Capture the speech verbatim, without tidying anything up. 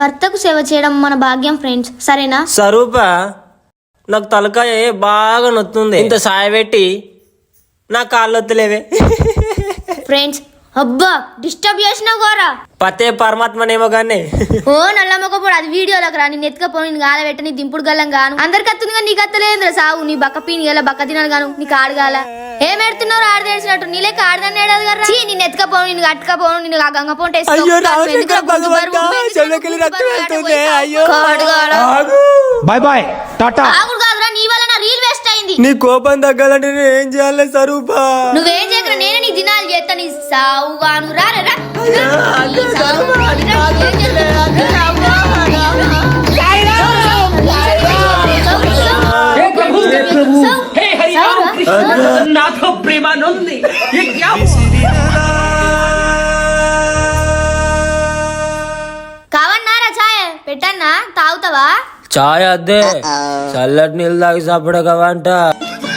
భర్తకు సేవ చేయడం మన భాగ్యం ఫ్రెండ్స్, సరేనా? స్వరూప, నాకు తలకాయ బాగా నొత్తుంది. ఇంత సాయ పెట్టి నా కాళ్ళు వద్దులేవే. ఫ్రెండ్స్, అబ్బా డిస్టర్బ్ చేసినావు గోరా. పతే పరమాత్మనేమో గానీ ఓ నల్లమ్మకపోడు అది వీడియోలోకి రా. నేను ఎత్తుకపోను, నేను గాల పెట్ట నీ దింపుడు గల్లం గాను. అందరికి అత్తుంది కానీ నీకు అత్తలేదురా సాగు. నీ బక్క పీని గల బక్క తినాలి గాను, నీకు ఆడగాల ఏం ఎడుతున్నావు? ఆడ తెలిసినట్టు నీ లెక్క ఆడదాన్ని ఏడాది కదా. నేను ఎత్తుకపోను, నేను అట్టుకపోను, నేను ఆ గంగ పోంటే బాయ్ బాయ్ టాటా. కాదురా, నీ వల్ల నా రీల్ వేస్ట్ అయింది. నీ కోపం తగ్గాలంటే నేను ఏం చేయాలి స్వరూపా? నువ్వేం చేయకరా, నేనే నీ దినాలు చేస్తా. నీ సావుగాను రా రా రా. కావన్నారా ఛాయ్ పెట్టన్నా? తాగుతావా? చాయ్ అద్దే, చల్లటి నీళ్ళు తాగి చప్పడకవంట.